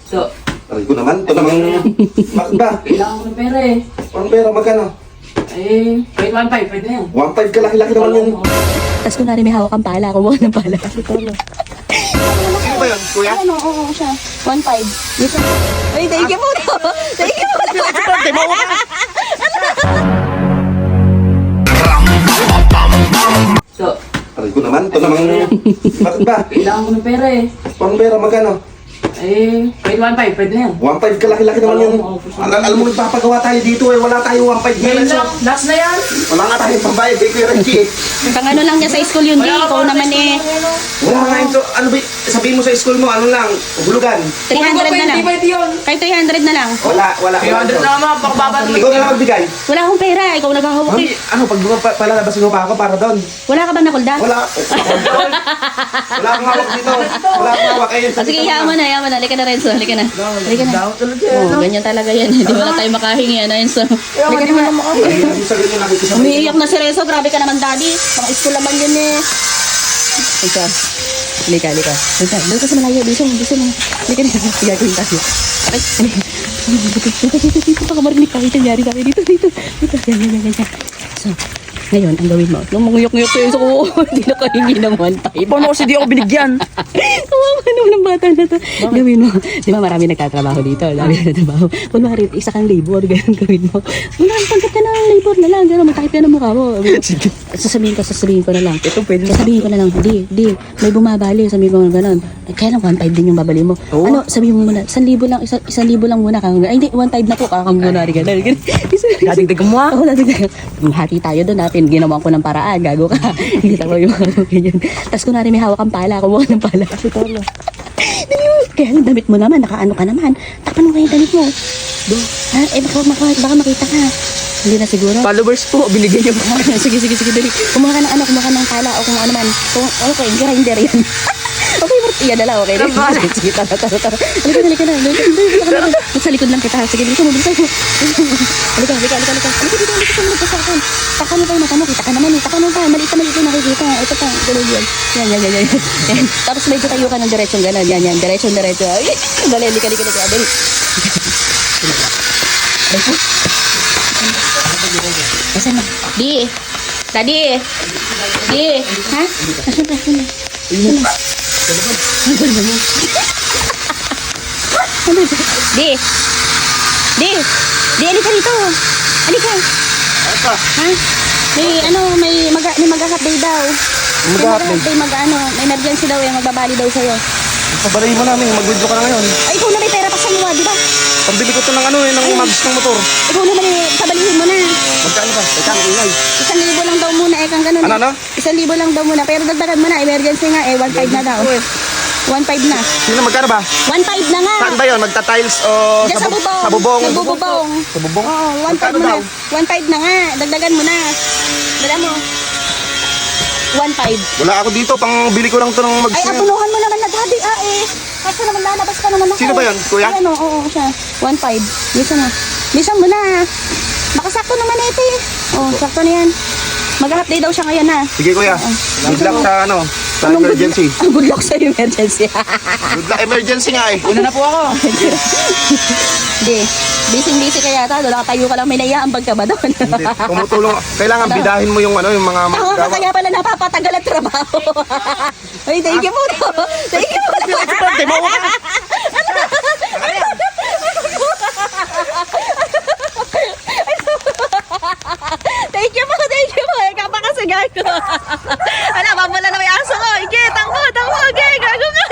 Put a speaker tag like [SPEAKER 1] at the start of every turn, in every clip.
[SPEAKER 1] So,
[SPEAKER 2] Aray ko naman, ito namang makba.
[SPEAKER 1] kailangan ko ng pera eh.
[SPEAKER 2] Ang pera, magkano?
[SPEAKER 1] Eh, kahit 1.5, pwede na yan.
[SPEAKER 2] 1.5 ka, laki-laki naman yun.
[SPEAKER 3] Tapos kunwari may hawak kang pala, kumuha ng pala.
[SPEAKER 2] Sino ba yun, kuya?
[SPEAKER 3] Ano, oo siya. 1.5. Dito. Ay, thank you po. Thank you po.
[SPEAKER 1] So,
[SPEAKER 2] Aray ko naman, ito namang makba.
[SPEAKER 1] kailangan ko ng pera eh.
[SPEAKER 2] Ang pera, magkano?
[SPEAKER 1] Eh, kahit 1.5, pwede na yan.
[SPEAKER 2] 1.5 ka, laki-laki naman yun. Alam mo, nagpapagawa tayo dito eh. Wala tayo 1.5
[SPEAKER 1] Ngayon
[SPEAKER 2] ngayon.
[SPEAKER 1] lang, last na yan.
[SPEAKER 2] Wala nga tayong pambayad eh, Kuya Reggie eh.
[SPEAKER 3] Pang ano lang niya sa school yun, di. Ikaw naman eh.
[SPEAKER 2] Wala nga yun. So, ano ba, sabihin mo sa school mo, ano lang, hulugan.
[SPEAKER 3] 300 na lang.
[SPEAKER 1] Pwede yun.
[SPEAKER 3] Kahit 300 na lang.
[SPEAKER 2] Wala.
[SPEAKER 1] 300 na naman, pakababa
[SPEAKER 2] Ikaw na lang magbigay.
[SPEAKER 3] Wala akong pera. Ikaw naghahawak
[SPEAKER 2] Mami,
[SPEAKER 3] eh.
[SPEAKER 2] ano, pag palalabasin mo pa ako para doon.
[SPEAKER 3] Wala ka bang nakulda?
[SPEAKER 2] Wala. Wala akong hawak dito. Wala akong hawak. Ayun,
[SPEAKER 3] Sige, hayaan mo na. Halika na, Renzo. Halika na. Halika na.
[SPEAKER 1] Daw talaga.
[SPEAKER 3] Oh, ganyan talaga yan. Hindi wala tayo makahingi. Ano yun, so. Halika na.
[SPEAKER 2] Ayun, sa ganyan nakikisama.
[SPEAKER 3] Umiiyak na si Renzo. Grabe ka naman, daddy. Pang school naman yun eh. Halika. Halika. Doon ka sa malayo. Bisa mo. Halika na. Gagawin tayo. Ay, dito. Baka marinig ka. Ito nangyari tayo. Dito. Yan. So, ngayon, ang gawin mo. Nung manguyok-nguyok ko yun sa kuho, hindi na kahingi ng 1.5.
[SPEAKER 1] Paano kasi di ako binigyan?
[SPEAKER 3] Kawawa naman ng bata na to. Gawin mo. Di ba marami nagtatrabaho dito? Marami nagtatrabaho. Kung maaari, isa kang labor, ganun gawin mo. Wala, tanggap ka ng labor na lang. Gano'n, matakip ka ng mukha mo. Sasabihin ko na lang.
[SPEAKER 1] Ito pwede na.
[SPEAKER 3] Sasabihin ko na lang, di, may bumabali. Sabihin ko na gano'n. Kaya lang 1.5 din yung babali mo.
[SPEAKER 1] Oo.
[SPEAKER 3] Ano, sabihin mo muna, 1,000 lang, 1,000 lang muna. Ay, hindi, 1.5 na po. Kakang muna rin gano'n.
[SPEAKER 1] Dadagdagan mo ah.
[SPEAKER 3] Oo, dadagdagan. Hati tayo doon natin. Ginawa ko ng paraan. Gago ka. Hindi ko yung ganyan. Tapos kunwari may hawak kang pala. Kumuha ng pala. Dali mo. Kaya ang damit mo naman. Nakaano ka naman. Tapan mo kaya yung damit mo. Ha? Eh, baka makita ka. Hindi na siguro.
[SPEAKER 1] Followers po, binigyan niyo po.
[SPEAKER 3] Sige, dali. Kumuha ka ng pala o kung ano man. Okay, grinder yan. Okay, yan na lang, okay. Sige, tara. Halika na. Sa likod lang kita. Sige, dito mo. Halika. Halika dito, magpasakan. Taka mo pa yung mata mo, kita ka naman. Taka mo pa, maliit na nakikita. Ito pa, gano'n yan. Yan. Tapos medyo tayo ka ng diretsyon, gano'n. Yan, diretso. Ay, dali, halika. Dali. Asan na? Di. Ha? Asan na? Di, halika rito. Halika.
[SPEAKER 2] Apa?
[SPEAKER 3] Ha? May mag-half day daw.
[SPEAKER 2] Mag-half day?
[SPEAKER 3] May emergency daw eh, magbabali daw sa'yo.
[SPEAKER 2] Pabalayin mo namin, mag-withdraw ka na ngayon.
[SPEAKER 3] Ay, ikaw na may pera pa sa luwa, di ba?
[SPEAKER 2] Pambili ko to ng mags ng motor.
[SPEAKER 3] Ikaw naman eh, sabalihin mo na.
[SPEAKER 2] Magkano ba? Teka, ang ingay.
[SPEAKER 3] 1,000 lang daw muna, kang ganun.
[SPEAKER 2] Ano?
[SPEAKER 3] 1,000 lang daw muna, pero dagdagan mo na, emergency nga eh, 1.5 na daw. 1.5 na.
[SPEAKER 2] Sino, magkano ba?
[SPEAKER 3] 1.5 na nga.
[SPEAKER 2] Saan ba yun? Magta-tiles o
[SPEAKER 3] Diyan sa bubong.
[SPEAKER 2] Sa bubong.
[SPEAKER 3] Nagbububong.
[SPEAKER 2] Sa bubong?
[SPEAKER 3] Oo, 1.5
[SPEAKER 2] Magkano
[SPEAKER 3] mo na.
[SPEAKER 2] daw?
[SPEAKER 3] 1.5 na nga. Dagdagan mo na. Dala mo. 1.5.
[SPEAKER 2] Wala ako dito, pang bili ko lang to ng mags
[SPEAKER 3] Ay,
[SPEAKER 2] na yan.
[SPEAKER 3] apunuhan mo naman na daddy. Kasi naman lalabas ka naman ako.
[SPEAKER 2] Sino ba yun, kuya?
[SPEAKER 3] Ay, oo, siya. 1.5. Bisan mo na. Baka sakto naman ito eh. Oh, sakto na yan. Mag-half day daw siya ngayon na.
[SPEAKER 2] Sige kuya, good luck sa sa emergency.
[SPEAKER 3] Good luck sa emergency.
[SPEAKER 2] Good luck, emergency nga eh.
[SPEAKER 1] Una na po ako.
[SPEAKER 3] Hindi. Busy ka yata. Doon nakatayo ka lang. May naiaambag ka ba doon?
[SPEAKER 2] Hindi, tumutulong. Kailangan bidahin mo yung yung mga
[SPEAKER 3] Ako ka
[SPEAKER 2] magawa.
[SPEAKER 3] kaya pala napapatagal ang trabaho. Ay, thank you po. Thank you po. Thank you po. Ikaw pa kasi gago. Ala, mamula na may aso ko. Ike, tangko. Ike, gago nga.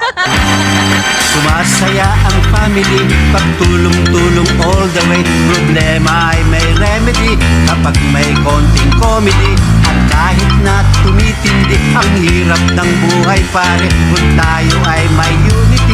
[SPEAKER 4] Sumasaya ang family, pagtulong-tulong all the way. Problema ay may remedy kapag may konting comedy. At kahit na tumitindi ang hirap ng buhay pare, kung tayo ay may unity,